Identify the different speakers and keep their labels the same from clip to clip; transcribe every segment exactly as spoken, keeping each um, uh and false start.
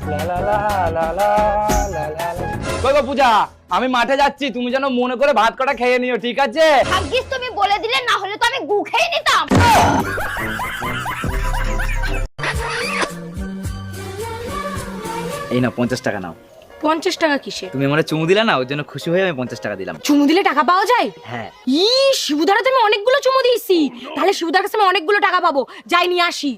Speaker 1: কই গো পূজা, আমি মাঠে যাচ্ছি, তুমি যেন মনে করে ভাত কটা খেয়ে নিও, ঠিক আছে?
Speaker 2: ভাগ্যিস তুমি বলে দিলে, না হলে তো আমি গু খেয়ে নিতাম।
Speaker 1: এই নাও পঞ্চাশ টাকা নাও।
Speaker 3: পঞ্চাশ টাকা কিসে?
Speaker 1: তুমি আমার চুমু দিলে না, ওর জন্য খুশি হয়ে আমি পঞ্চাশ টাকা দিলাম।
Speaker 3: চুমু দিলে টাকা পাওয়া যায়?
Speaker 1: হ্যাঁ।
Speaker 3: ই শিবুদার তো আমি অনেকগুলো চুমু দিয়েছি, তাহলে শিবুদার কাছে আমি অনেকগুলো টাকা পাবো, যাই নিয়ে আসি।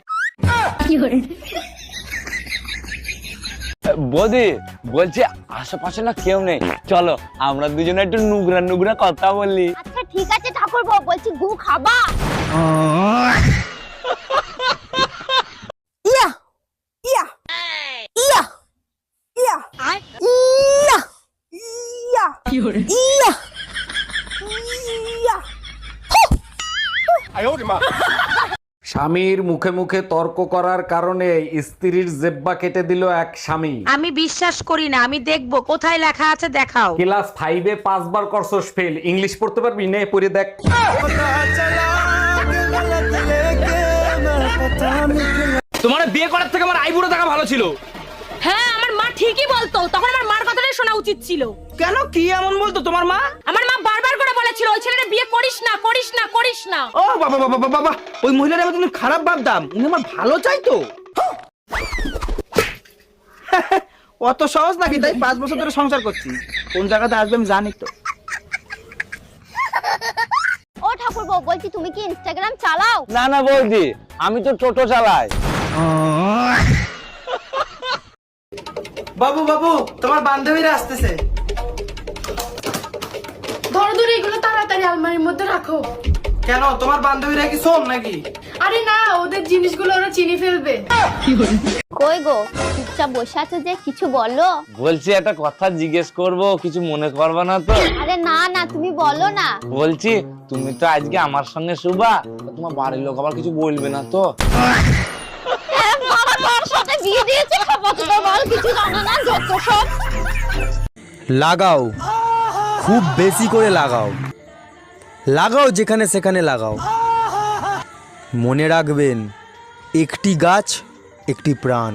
Speaker 1: বৌদি বলছি আশেপাশে না কেউ নেই, চলো আমরা দুজনে একটু নুগরা নুগরা কথা বলি।
Speaker 2: আচ্ছা ঠিক আছে ঠাকুরপো, বলছি গু খাবা?
Speaker 3: ইয়া ইয়া ইয়া ইয়া ইয়া ইয়া ইয়া ইয়া।
Speaker 4: স্বামীর মুখে মুখে তর্ক করার কারণে স্ত্রীর জেব্বা কেটে দিল এক স্বামী।
Speaker 5: আমি বিশ্বাস করি না, আমি দেখবো কোথায় লেখা আছে, দেখাও।
Speaker 4: ক্লাস ফাইভে পাঁচবার করছস ফেল, ইংলিশ পড়তে পারবি? নে পড়ে দেখ।
Speaker 1: তোমার বিয়ে করার থেকে আমার আইবুড়ো টাকা ভালো ছিল।
Speaker 3: হ্যাঁ আমার মা ঠিকই বলতো, তখন আমার মার কথাটাই শোনা উচিত ছিল।
Speaker 1: কেন, কি এমন বলতো তোমার মা?
Speaker 3: আমার মা বারবার করে বলেছিল ওই ছেলেটা বিয়ে করিস না করিস না করিস না।
Speaker 1: ও বাবা বাবা বাবা বাবা, ওই মহিলার আমি তুমি খারাপ ভাবতাম, উনি আমার ভালো চাইতো। অত সহজ নাকি? তাই পাঁচ বছর ধরে সংসার করছি, কোন জায়গাতে আসবে আমি জানি তো।
Speaker 2: ও ঠাকুরপো, বলছি তুমি কি ইনস্টাগ্রাম চালাও?
Speaker 1: না না বৌদি, আমি তো টোটো চালাই।
Speaker 6: বাবু বাবু, তোমার বান্ধবীরা আসতেছে।
Speaker 7: ধরো ধরো এগুলো তাড়াতাড়ি আলমারির মধ্যে রাখো।
Speaker 6: কেন, তোমার বান্ধবীরা কি শোন নাকি?
Speaker 7: আরে না, ওদের জিনিসগুলো ওরা চিনি ফেলবে।
Speaker 2: কই গো, চুপচাপ বসে আছো যে, কিছু বলো।
Speaker 1: বলছি একটা কথা জিজ্ঞেস করব, কিছু মনে করবে না তো?
Speaker 2: আরে না না, তুমি বলো না।
Speaker 1: বলছি তুমি তো আজকে আমার সঙ্গে শুবা, তোমার বাড়ির লোক আবার কিছু বলবে না তো?
Speaker 2: বাবা তোর সাথে বিয়ে দিয়েছে, খাবো তো বল, কিছু জানো না, যত সব।
Speaker 8: লাগাও, খুব বেশি করে লাগাও, লাগাও যেখানে সেখানে লাগাও। মনে রাখবেন, একটি গাছ একটি প্রাণ।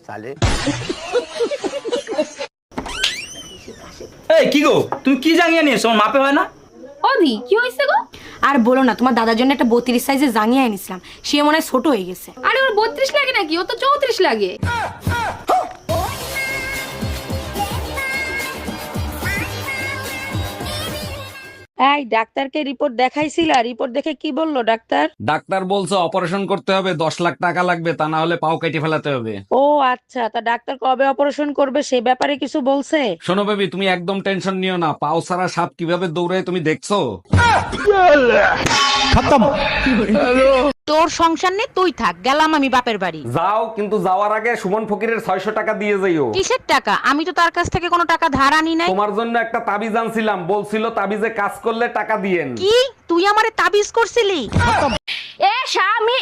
Speaker 1: এই কি গো, তুমি কি জাঙ্গিয়া নিয়েছো, আমার মাপে হয় না?
Speaker 3: ওদি কি হয়েছে গো? আর বলো না, তোমার দাদার জন্য একটা বত্রিশ সাইজের জাঙ্গিয়া এনেছিলাম, সে মনে হয় ছোট হয়ে গেছে।
Speaker 7: আরে ওর বত্রিশ লাগে নাকি, ও তো চৌত্রিশ লাগে।
Speaker 5: এই ডাক্তারকে রিপোর্ট দেখাইছিলা, রিপোর্ট দেখে কি বললো ডাক্তার?
Speaker 4: ডাক্তার বলছে অপারেশন করতে হবে, দশ লাখ টাকা লাগবে, তা না হলে পাও কেটে ফেলাতে হবে।
Speaker 5: ও আচ্ছা, তা ডাক্তার কবে অপারেশন করবে সে ব্যাপারে কিছু বলছে?
Speaker 4: শোনো বেবি, তুমি একদম টেনশন নিও না, পাও ছাড়া সাপ কিভাবে দৌড়ায় তুমি দেখছো?
Speaker 5: তোর সংসার নেই, তুই থাক, গেলাম আমি বাপের বাড়ি।
Speaker 4: যাও, কিন্তু যাওয়ার আগে সুমন ফকিরের ছয়শ টাকা দিয়ে যাইও।
Speaker 5: কিসের টাকা? আমি তো তার কাছ থেকে কোনো টাকা ধার আনি নাই।
Speaker 4: তোমার জন্য একটা তাবিজ আনছিলাম, বলছিল তাবিজে কাজ করলে টাকা দিয়েন।
Speaker 5: কি তুই আমারে তাবিজ করছিলি?
Speaker 7: এ স্বামী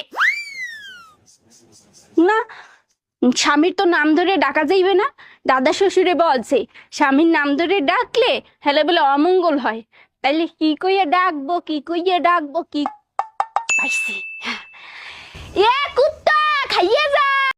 Speaker 7: না, স্বামীর তো নাম ধরে ডাকা যাইবে না। দাদা শ্বশুরে বলছে স্বামীর নাম ধরে ডাকলে হেলে বলে অমঙ্গল হয়। তাইলে কি কইয়া ডাকবো, কি কইয়া ডাকবো, কি পাইছি। এ কুত্তা খাইয়ে যা।